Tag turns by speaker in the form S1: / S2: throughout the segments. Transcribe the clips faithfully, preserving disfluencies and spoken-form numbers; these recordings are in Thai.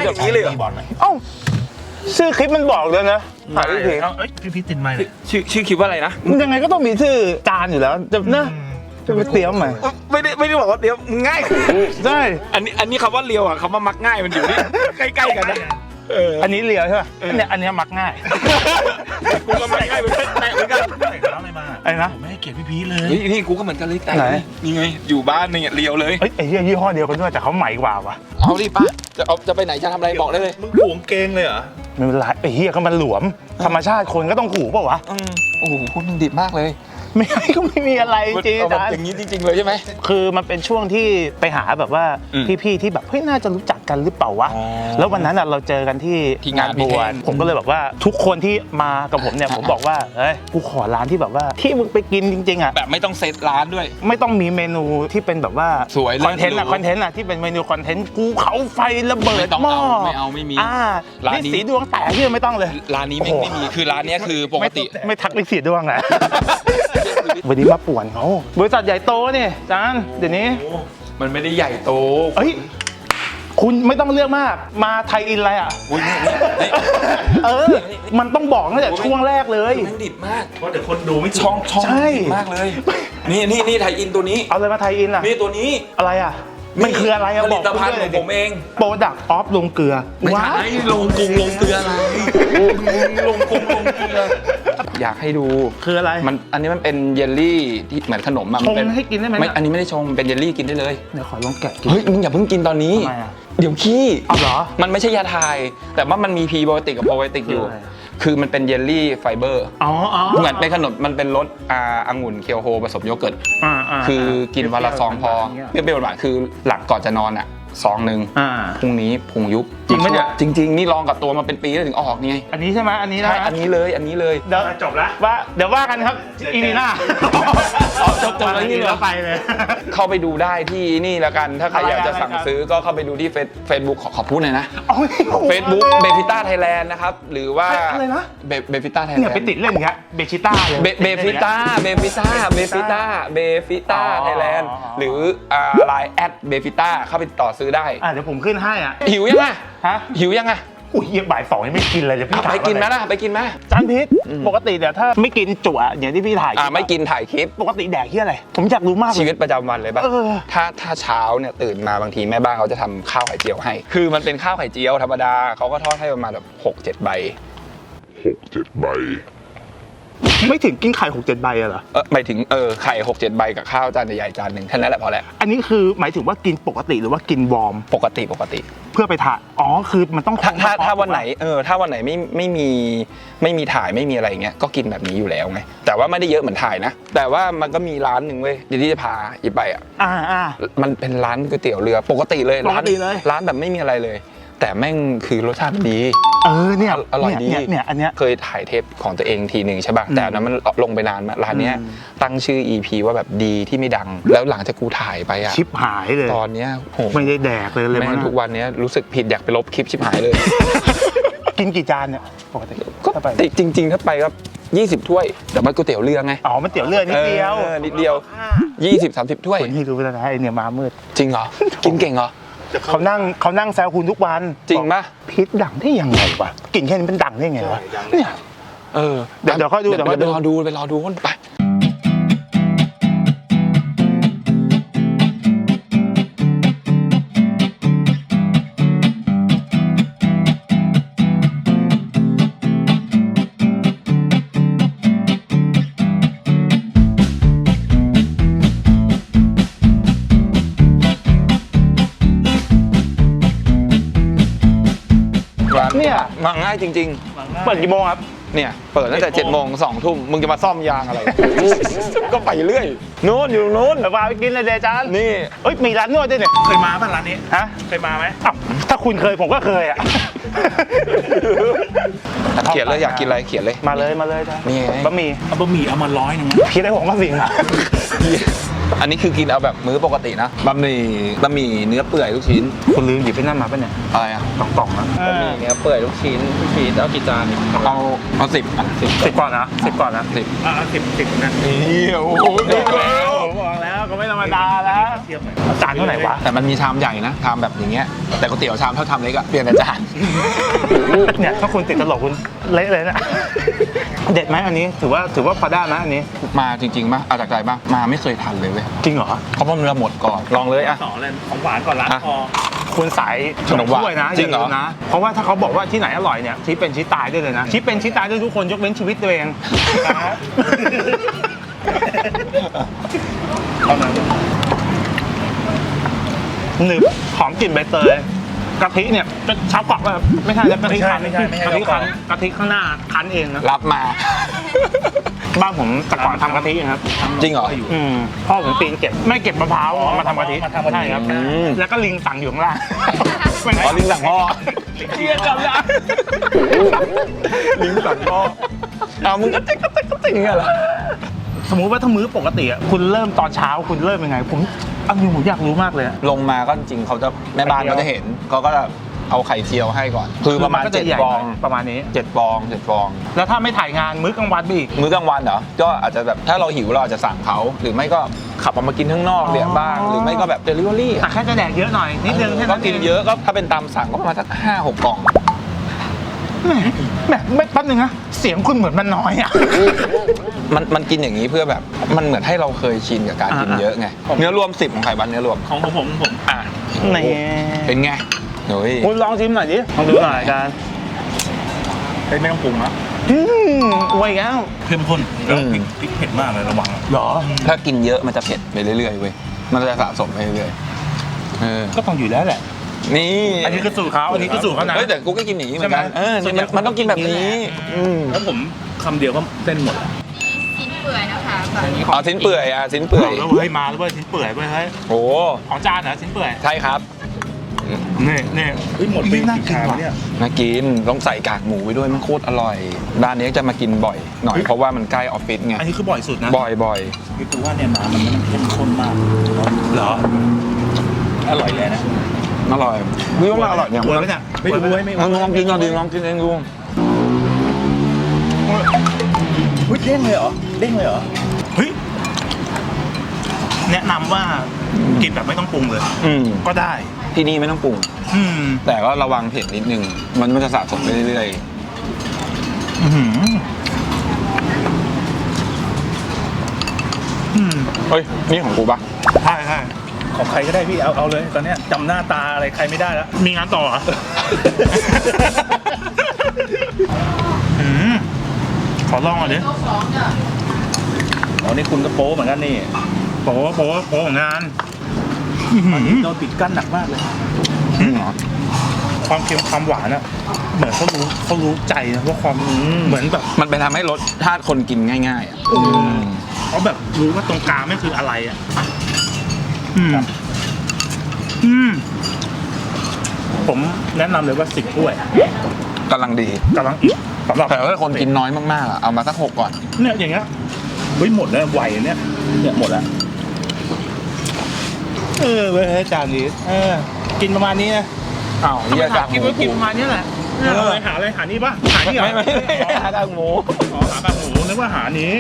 S1: อย่างนี้เลยบอล
S2: เอ้าชื่อคลิปมันบอกเลยนะหาพี่
S1: พี่พี่ติดไมค์เลยชื่อชื่อคลิปว่าอะไรนะ
S2: ยังไงก็ต้องมีชื่อจานอยู่แล้วจะนะจะไปเตรียมใหม่
S1: ไม่ได้ไม่ได้บอกว่าเดี๋ยวง่าย
S2: ใช่
S1: อันนี้อันนี้คำว่าเลียวอ่ะคำว่ามักง่ายมันอยู่นี่ใกล้ๆกันนะ
S2: เอออันนี้เลียวใช่ป่ะเนี่ยอันนี้มักง่าย
S1: กูก็มักง่ายเหมือนกันเหมือนกันอะไรมา
S2: ไอ้นะ
S1: ผมไม่ให้เกียรติพี่พีเลยนี่กูก็เหมือนกันเลยแต่นี่ไงอยู่บ้านเนี่ยเลียวเลย
S2: เอ้ยไอ้ยี่ห้อเดียวกันด้วยแต่เขาใหม่กว่าวะ
S1: เอาดิป้าจะเอาจะไปไหนจะทำอะไรบอกได้เลย
S3: มึงหวงเกงเลยเหรอ
S2: ไม่เป็นไรไอ้เหี้ยก็มันหลวมธรรมชาติคนก็ต้องขู่เปล่าวะ
S1: โอ้โหพูดมึงดิบมากเลย
S2: ไม่ก็ไม่มีอะไรจริง
S1: ๆอย่างนี้จริงๆเลยใช่ไหม
S2: คือมันเป็นช่วงที่ไปหาแบบว่าพี่ๆที่แบบเฮ้ยน่าจะรู้จักกันหรือเปล่าวะแล้ววันนั้นเราเจอกันที่งานบวชผมก็เลยบอกว่าทุกคนที่มากับผมเนี่ยผมบอกว่าเฮ้ยกูขอร้านที่แบบว่าที่มึงไปกินจริงๆอ่ะ
S1: แบบไม่ต้องเซตร้านด้วย
S2: ไม่ต้องมีเมนูที่เป็นแบบว่า
S1: สวย
S2: คอนเทนต์อะคอนเทนต์อะที่เป็นเมนูคอนเทนต์กูเขาไฟระเบิดหม้อ
S1: ไม่เอาไม่มี
S2: อ่าร้านนี้สีดวงแตกที่ไม่ต้องเลย
S1: ร้านนี้ไม่ไม่มีคือร้านนี้คือปกติ
S2: ไม่ทักลิสีดวงแหละวันนี้มาป่วนเขาบริษัทใหญ่โตนี่จานเดี๋ยวนี้
S1: มันไม่ได้ใหญ่โต
S2: เฮ้ยคุณไม่ต้องเลือกมากมาไทยอินอะไรอ่ะเออมันต้องบอกตั้งแต่ช่วงแรกเลย
S1: มันดิบมาก
S3: เพราะเดี๋ยวคนดูไม่
S1: ช่องช่องดิบมากเลยนี่นี่นี่ไทยอินตัวนี้
S2: เอาเลยมาไทยอินอ่ะ
S1: นี่ตัวนี้
S2: อะไรอ่ะมันคืออะไรอะ
S1: บอกผลิตภัณฑ์ของผมเอง
S2: โปรดักต์ออฟลงเกลือ
S1: ไม่ใช่ลงกุ้งลงเกลืออะไรลงกุ้งลงเกลืออยากให้ดู
S2: คืออะไร
S1: มันอันนี้มันเป็นเยลลี่ที่เหมือนขนมอะ
S2: ชงให้กินได้ไหม
S1: ไม่อันนี้ไม่ได้ชงเป็นเยลลี่กินได้เลย
S2: เดี๋ยวขอลองแกะกิน
S1: เฮ้ยมึงอย่าเพิ่งกินตอนนี้เดี๋ยวขี้
S2: เอาเหรอ
S1: มันไม่ใช่ยาทายแต่ว่ามันมีพรีไบโอติกกับโปรไบโอติกอยู่คือมันเป็นเยลลี่ไฟเบอร์
S2: อ๋อ
S1: เหมือนเป็นขนมมันเป็นรสอ่าองุ่นเคียวโฮผสมโยเกิร์ตคือกินวันละซองพอเปรี้ยวๆหวานๆคือหลังก่อนจะนอนอ่ะซองหนึ่งพรุ่งนี้พุงยุบ
S2: จริงไหมเนี่ย
S1: จริงๆนี่ลองกับตัวมาเป็นปีแล้วถึงออกนี่
S2: อันนี้ใช่ไหมอันนี้นะ
S1: ใช่อันนี้เลยอันนี้เลย
S2: เดี๋ยวจบละว่าเดี๋ยวว่ากันครับอีนีน่าจบจบแล้วนี่แล้วไปเลย
S1: เข้าไปดูได้ที่นี่แล้วกันถ้าใครอยากจะสั่งซื้อก็เข้าไปดูที่เฟซบุ๊กขอพูดหน่อยนะเฟซบุ๊กเบฟิต้าไทยแลนด์นะครับหรือว่า
S2: อะไรนะ
S1: เบฟิต้าไทยแลนด์
S2: เนี่ยไปติดเล่นอย่างเงี้ยเบฟิต้าเลย
S1: เบฟิต้าเบฟิต้าเบฟิต้าเบฟิต้าไทยแลนด์หรือไลน์แอดเบฟิต้าเข้าไปต่อซื้อได้
S2: อ่ะเดี๋ยวผมขึ้นให้อ่ะ
S1: หิวยังไงฮะหิวยังไง
S2: อุ้ยเยี่ยบ่ายสองยังไม่กินเลยจะพี่
S1: ไปกินไหมล่ะไปกินไหม
S2: จานพิษปกติเดี๋ยวถ้าไม่กินจั่วอย่างที่พี่ถ่าย
S1: อ่าไม่กินถ่ายคลิป
S2: ปกติแดกที่อะไรผมอยากรู้มาก
S1: ชีวิตประจำวันเลยป่ะถ้าถ้าเช้าเนี่ยตื่นมาบางทีแม่บ้านเขาจะทำข้าวไข่เจียวให้คือมันเป็นข้าวไข่เจียวธรรมดาเขาก็ทอดให้ประมาณแบบหกเจ็ดใบ
S3: หกเจ็ดใบ
S2: ไม่ถึงกินไข่หกเจ็ดใบอะเหรอ
S1: เออหมายถึงเออไข่หกเจ็ดใบกับข้าวจานใหญ่ๆจานหนึ่งแค่นั้นแหละพอแล้ว
S2: อันนี้คือหมายถึงว่ากินปกติหรือว่ากินวอร์ม
S1: ปกติปกติ
S2: เพื่อไปถ่ายอ๋อคือมันต้อง
S1: ถ้าถ้าถ้าวันไหนเออถ้าวันไหนไม่ไม่มีไม่มีถ่ายไม่มีอะไรเงี้ยก็กินแบบนี้อยู่แล้วไงแต่ว่าไม่ได้เยอะเหมือนถ่ายนะแต่ว่ามันก็มีร้านหนึ่งเว้ยเดี๋ยวที่จะพาอีไปอ่ะ
S2: อ่าอ่า
S1: มันเป็นร้านก๋วยเตี๋ยวเรือปกติเลย
S2: ปกติเลย
S1: ร้านแบบไม่มีอะไรเลยแต่แม่งคือรสชาติดี
S2: เออเนี่ย
S1: อร่อยดี
S2: เนี่ยอันเนี้ย
S1: เคยถ่ายเทปของตัวเองทีหนึ่งใช่ป่ะแต่นั้นมันลงไปนานมาร้านเนี้ยตั้งชื่อ อี พี ว่าแบบดีที่ไม่ดังแล้วหลังจากกูถ่ายไปอะ
S2: ชิปหายเลย
S1: ตอนเนี้ยโห
S2: ไม่ได้แดกเลยเลย
S1: มันทุกวันเนี้ยรู้สึกผิดอยากไปลบคลิปชิปหายเลย
S2: กินกี่จานเนี่ยปกติ
S1: ก็จริงๆถ้าไปก็ยี่สิบถ้วยแต่มันก๋วยเตี๋ยวเรือไง
S2: อ๋อมันเตี๋ยวเรือนิดเดียว
S1: นิดเดียวยี่สิบ สามสิบถ้วย
S2: คนที่รู้แล้วนะไอเนี่ยมามืด
S1: จริงเหรอกินเก่งเหรอ
S2: เขานั่งเขานั่งแซวคุณทุกวัน
S1: จริงปะ
S2: พิษดังได้ยังไงวะกลิ่นแค่นี้เป็นดังได้ไงวะเนี่ย
S1: เออ
S2: เดี๋ยวเดี๋ยวค่อยดู
S1: เดี๋ยวไปรอดูไปรอดูไป
S2: เนี่ย
S1: มาง่ายจริง
S2: ๆเปิดกี่โมงครับ
S1: เนี่ยเปิดตั้งแต่เจ็ดโมงสองทุ่มมึงจะมาซ่อมยางอะไรก็ไปเรื่อยโน้นอยู่โน้น
S2: เดี๋ยวพาไปกินเลยเดจาน
S1: นี่
S2: เอ้ยมีร้านนวดด้วยเนี่ย
S3: เคยมาป่ะร้านนี้
S2: ฮะ
S3: เคยมาไหม
S2: อ้าวถ้าคุณเคยผมก็เคยอ่ะ
S1: เขียนเลยอยากกินอะไรเขียนเลย
S2: มาเลยมาเลยจ้ะ
S1: นี่
S2: บะหมี่
S3: เอาบะหมี่เอามาร้อยหนึ่ง
S2: พี่ได้ผมก็สิ่งอ่ะ
S1: อันนี้คือกินเอาแบบมื้อปกตินะบะหมี่บะหมี่เนื้อเปื่อยลูกชิ้น
S2: คุณลืมหยิบไปนั่นมาป่ะเนี่ย
S1: อะไรอ่ะ
S2: กล่องๆนะ
S1: บะหมี่เนื้อเปื่อยลูกชิ้นลูกชิ้นเอากี่จานเอาเอาสิบอ่ะสิบ
S2: สิบก่อนนะสิบก่อนนะ
S3: สิบอ่ะสิบสิบนะ
S1: นี่โอ้โห
S2: บอกแล้วผมบอกแล้วก็ไม่ต้องรมดาแล้วจานเท่าไหร่วะ
S1: แต่มันมีชามใหญ่นะชามแบบอย่างเงี้ยแต่ก๋วยเตี๋ยวชามเท่าชามเล็กอะเปลี่ยนแต่จาน
S2: เนี่ยถ้าคุณติดตลกคุณเละเลยนะเด็ดไหมอันนี้ถือว่าถือว่าพอได้ไหมอันนี้
S1: มาจริงๆป่ะเอาจากใจป่ะมาไม่เคยทันเลยเว้ย
S2: จริงเหรอ
S1: เพราะว่ามันหมดก่อนลองเลยอะ
S3: ต่อเลยของหวานก่อนล้างคอ
S2: คุณสาย
S1: ขนมหวาน
S2: ถ้วยนะ
S1: จริงเหรอ
S2: ย่าลืมนะเพราะว่าถ้าเขาบอกว่าที่ไหนอร่อยเนี่ยชี้เป็นชี้ตายได้เลยนะชี้เป็นชี้ตายด้วยทุกคนยกเว้นชีวิตตัวเอง
S3: เอามา
S2: หนึบหอมกลิ่นใบเตยกะทิเนี่ยจะชาวเกาะแบบไม่ใช่แล้วกะทิคั้น
S3: ไม่ใช่ไม่ใช่
S2: กะทิคั้นกะทิข้างหน้าคั้นเองนะ
S1: รับมา
S2: บ้านผมแต่ก่อนทำกะทินะครับ
S1: จริงเหรอ
S2: อืมพ่อผมปีนเก็บไม่เก็บมะพร้าวเอามาทำกะทิ
S3: มาทำกะทิ
S2: ใช่ครับ
S1: อืม
S2: แล้วก็ลิงสั่งอยู่ข้างล่าง
S1: อ๋อลิงสั่งพ่อ
S2: เชียร์กลับแล้ว
S1: ลิงสั่งพ่อเอามึงก็ติ๊กก็ติ๊กก็ติ๊กอย่างเงี้ยเหรอ
S2: สมมุติว่าถ้ามื้อปกติอะคุณเริ่มตอนเช้าคุณเริ่มยังไงผมอันนี้ผมอยากรู้มากเลยอะ
S1: ลงมาก็จริงๆเขาจะแม่บ้านเขาจะเห็นเขาก็จะเอาไข่เจียวให้ก่อน คือประมาณ
S2: นก็
S1: เจ็
S2: จะ
S1: ด
S2: ใหญ่
S1: ฟอง
S2: ประมาณนี้
S1: เจ็ดฟองเจ็ดฟอง
S2: แล้วถ้าไม่ถ่ายงานมื้อกลางวันไปอีก
S1: มื้อกลางวันเหรอก็อาจจะแบบถ้าเราหิวเราอาจจะสั่งเขาหรือไม่ก็ขับออกมากินข้างนอก
S2: อ๋อ
S1: เรียบ้างหรือไม่ก็แบบเดลิเวอรี่
S2: แต่แค่จะแดกเยอะหน่อยนิดนึงแค่
S1: ก็
S2: นั้น
S1: กินเยอะก็ถ้าเป็นตามสั่งก็ประมาณสักห้าหกกล่อง
S2: แหมแหมไม่แป๊บนึงนะเสียงคุณเหมือนมันน้อยอะ
S1: มันมันกินอย่างนี้เพื่อแบบมันเหมือนให้เราเคยชินกับการกิน
S2: อ่า
S1: เยอะไงเนื้อรวมสิบของไข่บันเนื้อรวม
S3: ของผมผมผม
S1: อ่ะ
S2: นี่
S1: เป็นไงเฮ้ย
S2: คุณลองชิมหน่อยดิลองดูหน่อยกัน
S3: เฮ้ยไม่ต้องปรุงนะ
S2: อืมอวยแล้ว
S3: เข้มข้นแล้วพริกพริกเผ็ดมากเลยระวัง
S2: เหรอ
S1: ถ้ากินเยอะมันจะเผ็ดไปเรื่อยๆเว้ยมันจะสะสมไปเรื่อยๆเออ
S2: ก็ต้องอยู่แล้วแหละ
S1: นี่
S2: อันนี้คือสูตรเขาอันนี้คือสูตรเขานะ
S1: เฮ้ยแต่กูก็กินอย่างนี้เหมือนกัน
S2: ใช่ไหม
S1: เออมันมันต้องกินแบบนี้อืม
S3: แล้วผมคำเดียวก็เส้นหมด
S4: ชิ้นเปื่อยนะคะแบบนี้
S1: อ๋อชิ้นเปื่อยอ่ะชิ้นเปื่อย
S2: แล้วเฮ้ยมาแล้วเว้ยชิ้นเปื่อยเว้ยเฮ้ย
S1: โอ้
S2: ของจานเหรอชิ้นเปื่อย
S1: ใช่ครับ
S2: นี่นี่
S3: เฮ้ยหมดไป
S2: น่า
S3: กี่
S2: กิน
S3: ชาม
S2: ว่ะ
S3: เนี่ย
S1: น่ากินต้องใส่กากหมูไปด้วยมันโคตรอร่อยร้านนี้จะมากินบ่อยหน่อยเพราะว่ามันใกล้ออฟฟิศไง
S2: อันนี้คือบ่อยสุดนะ
S1: บ่อยบ่อย
S3: พี่กูว่าเนี่ยน้ำมันมันเข้มข้นมาก
S2: เหรอ
S3: อร่อยเลยนะ
S1: อร่อยพี่ว่าอร่อยเนี่ย
S2: อวยไหมเนี่ย
S3: ไม่รู้ไม่
S1: ลองลองกินลองกินลองกินเองดู
S3: อุ้ยเด้งเลยเหรอเด้งเลยเหรอ
S2: เฮ้ยแนะนำว่ากินแบบไม่ต้องปรุงเลย
S1: อืม
S2: ก็ได้
S1: ที่นี่ไม่ต้องปรุง
S2: อืม
S1: แต่ก็ระวังเผ็ดนิดนึงมันมันจะสะสมไปเรื่อย
S2: อื้อหืออืม
S1: ๆเฮ้ยนี่ของกูปะ
S2: ใช่ใช่
S3: ของใครก็ได้พี่เอาเอาเลยตอนเนี้ยจำหน้าตาอะไรใครไม่ได้แล้ว
S2: มีงานต่อเหรอ อืมขอลองหน่อยดิ
S4: โต๊ะสองเนี่ย
S3: อ๋อนี่คุณก็โป๊เหมือนกันนี่
S2: โป๊ะโป๊ะโป๊ะของงานอื้อหือ
S3: โดนปิดกั้นหนักมากเลย
S1: อืมเหรอ
S2: ความเค็มความหวานอะเหมือนเขารู้เขารู้ใจนะว่าความเหมือนแบบ
S1: มันไปทำให้รสชาติคนกินง่ายๆอ่ะอืม
S2: เขาแบบรู้ว่าตรงกลางไม่คืออะไรอะอืมอืมผมแนะนำเลยว่าสิบถ้วย
S1: กำลังดี
S2: กำลังอิ่มสำหรับ
S1: แต่ถ้าคนกินน้อยมากๆอ่ะเอามาสักหกก่อน
S2: เนี่ยอย่างเงี้ย
S3: เฮ้ยหมดแล้วไวเนี่ยเนี่ยหมดแล้ว
S2: เออเว้ยจานนี้เออกินประมาณนี้นะ
S1: อ้าวเฮียกากห
S2: กิน
S1: มู
S2: ไว้กินประมาณนี้แหละเนี่ยเอาอะไรหาอะไรหานี่ปะหานี่เหรอ
S1: ไม่ไม่ไม่หากากหมู
S2: อ๋อหากากหมูนึกว่าหานี้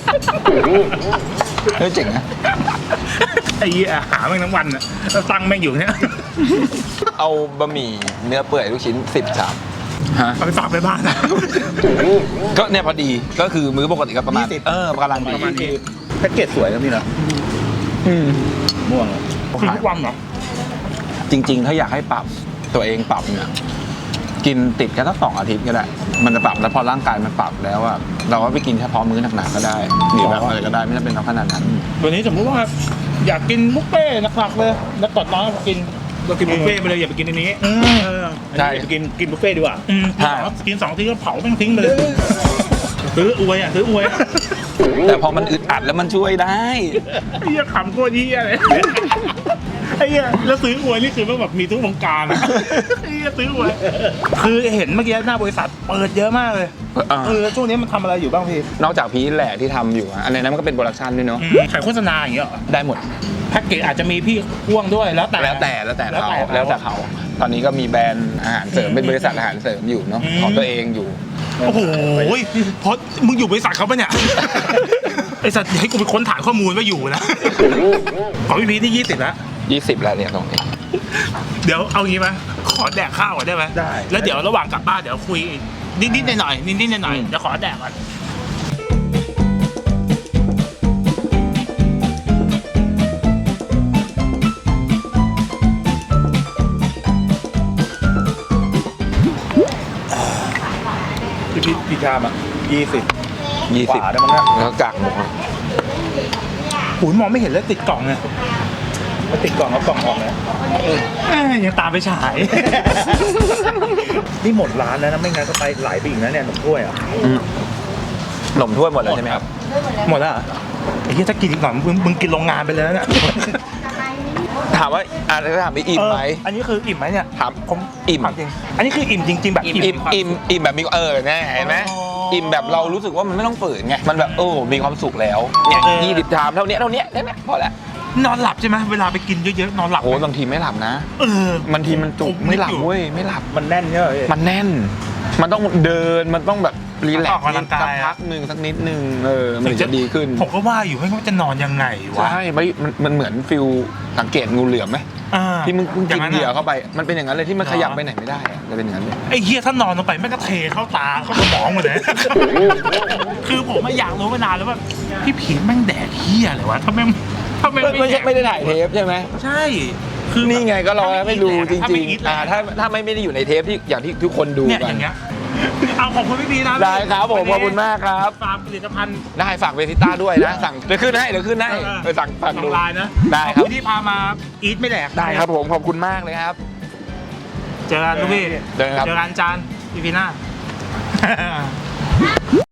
S1: เฮ้ยเจ๋งนะ
S2: ไอ้เหี้ยหาแม่งทั้งวันอะแล้วตังค์แม่งอยู่เนี่ย
S1: เอาบะหมี่เนื้อเปื่อยลูกชิ้นสิบชามฮะ
S2: เอาไปฝากไปบ้านนะ
S1: ก็เนี่ยพอดีก็คือมื้อปกติก็ประมาณ
S3: ยี่สิบ
S1: เออกำลังดี
S2: ประมาณนี้
S3: แพ็กเกจสวยนะพี่นะ
S1: อืม
S3: ม่วง
S2: กินทุกวันเหรอ
S1: จริง ๆ ถ้าอยากให้ปรับตัวเองปรับเนี่ยกินติดกันสักสองอาทิตย์ก็ได้ มันจะปรับแล้วพอร่างกายมันปรับแล้วอะเราก็ไปกินเฉพาะมื้อหนักๆก็ได้หรือแบบอะไรก็ได้ไม่จำเป็นต้องขนาดนั้น
S2: วันนี้สมมติว่าอยากกินบุฟเฟ่ต์หนักๆเลยแล้วกดน้อยกิน
S3: เรากินบุฟเฟ่ต์ไปเลยอย่าไปกินอันนี้
S2: อืม
S3: เออ
S1: ใช่
S3: อย่าไปกินกินบุฟเฟ่ต์ดีกว่า
S2: อืม
S1: ใช่
S2: กินสองทีก็เผาแม่งทิ้งไปเลยซื้ออวยอ่ะซื้ออวยอะ
S1: แต่พอมันอึดอัดแล้วมันช่วยได้
S2: ไอ้เหี้ยขำโคตรเหี้ยเลยไอ้เหี้ยแล้วซื้ออวยนี่คือมันแบบมีทุกวงการอะไอ้เหี้ยซื้ออวยคือเห็นเมื่อกี้หน้าบริษัทเปิดเยอะมากเลย
S1: เออ
S2: เออช่วงนี้มันทำอะไรอยู่บ้างพี่
S1: นอกจากพีชแหละที่ทำอยู่อะอันนั้นมันก็เป็นโปรดักชันด้วยเนาะ
S2: ขายโฆษณาอย่างเงี้ยเหรอ
S1: ได้หมด
S2: แพ็กเกจอาจจะมีพี่พ่วงด้วยแล้วแต่
S1: แล้วแต่แล้วแต่
S2: แล้ว
S1: เขา
S2: แต่เขา
S1: แล้วแต่เขา ตอนนี้ก็มีแบรนด์อาหารเสริมเป็นบริษัทอาหารเสริมอยู่เนาะ
S2: อืม
S1: ของตัวเองอยู่
S2: โอ้โหเพราะมึงอยู่บริษัทเขาปะเนี่ย ไอสัตว์อย่าให้กูไปค้นฐานข้อมูลว่าอยู่นะ ของพี่พีทนี่ยี่สิบแล้ว
S1: ยี่สิบแล้วเนี่ยตรงนี้
S2: เดี๋ยวเอางี้ไหมขอแดกข้าวก่อนได้ไหม
S3: ได้
S2: แล้วเดี๋ยวระหว่างกลับบ้านเดี๋ยวคุยนิดๆหน่อยๆนิดๆหน่อยๆเดี๋ยวขอแดกก่อน
S3: พี่พี่พี่ชามอ่ะยี่สิบ
S1: ยี่สิบ
S3: กว่าได้มั้งนะ
S1: แล้วกากหมู
S2: หูยมองไม่เห็นเลยติดกล่องเนี่ย
S3: มาติดกล่องเอากล่องออกเลย
S2: เอ้ยยังตามไปฉาย
S3: นี่หมดร้านแล้วนะไม่งั้นก็ไปหลายปีอีกนะเนี่ยหนุ่มถ้วยอ่ะ
S1: อืมขนมถ้วยหมดแล้วใช่ไหมครับ
S2: หมดแล้วเหรอไอ้เหี้ยถ้ากินอีกหน่อยมึงมึงกินโรงงานไปเลยนะเนี่ย
S1: ถามว่าอ่ะถ้าถามว่าอิ่มไหม
S2: เอออันนี้คืออิ่มไหมเนี่ย
S1: ถาม
S2: ผม
S1: อิ่ม
S2: ถาจริงอันนี้คืออิ่มจริง ๆ แบบ
S1: อิ่มอิ่มอิ่มอิ่มแบบมีเออแน่เห็นไหม
S2: อ๋ออิ่
S1: อิ่มแบบเรารู้สึกว่ามันไม่ต้องฝืนไงมันแบบโอ้มีความสุขแล้วเนี่ย
S2: เออ
S1: ยี่สิบชามเท่านี้เท่านี้เท่านี้พอแล้ว
S2: นอนหลับใช่ไหมเวลาไปกินเยอะๆนอนหลับ
S1: โอ้บางทีไม่หลับนะ
S2: เออบ
S1: างทีมันจุกไม่หลับเว้ยไม่หลับ
S3: มันแน่นเนี่ยพี่
S1: มันแน่น มันต้องเดินมันต้องแบบรีแล
S2: ออก
S1: ซ์
S2: กำลังกาย
S1: สักพักหนึ่งสักนิดหนึ่งเออมันถึงจะดีขึ้น
S2: ผมก็ว่าอยู่ให้ว่าจะนอนยังไงวะ
S1: ใช่ไม่มันมันเหมือนฟิลสังเกตงูเหลือมไหม
S2: อ่า
S1: ที่มึงมึง
S2: อย่า
S1: กิน
S2: นั้น
S1: เหยื่อ
S2: อะ
S1: เข้าไป มันเป็นอย่างนั้นเลยที่มัน
S2: เหรอ
S1: ขยับไปไหนไม่ได้อะจะเป็นอย่างนั้นเลย
S2: ไอ้เหี้ยถ้านอนลงไปแม่งก็เทเข้าตาเข้าสมองหมดเลย คือผมอะอยากรู้มานานแล้วว่าพี่ผีแม่งแดกเหี้ยอะไรวะถ้าแม่งถ้าแม่ง
S1: ไม่
S2: ไม่
S1: ใช่
S2: แดก
S1: ไม่ได้ถ่ายเทปใช่ไหม
S2: ใช่ คือ
S1: นี่ไงก็เราไม่รู้จ
S2: ถ้า
S1: ริ
S2: ไม่
S1: ง
S2: อีท
S1: ๆ
S2: แหละ
S1: อ่าถ้าถ้าไม่ไม่ได้อยู่ในเทปที่อย่างที่ทุกคนดู
S2: เนี่ย
S1: กั
S2: อน ย่างเงี้ยเอาขอบคุณพี่พีนะ
S1: ได้ครับผมขอบคุณมากครับ
S2: ฝากผลิตภัณฑ์
S1: ได้ฝากเวทิต้าด้วยนะ สั่งเดี๋ยวขึ้นให้เดี๋ยวขึ้นให้ไปสั่งฝาก
S2: ทา
S1: ดู
S2: งไลน์นะ
S1: ได้
S2: ขอบ
S1: ครับ
S2: คุณที่พามาอีทไม่แดก
S1: ได้ครับผมขอบคุณมากเลยครับ
S2: เจอกันทุกพี่
S1: เจอกันครับ
S2: เจอกันจานพี่พีหน้า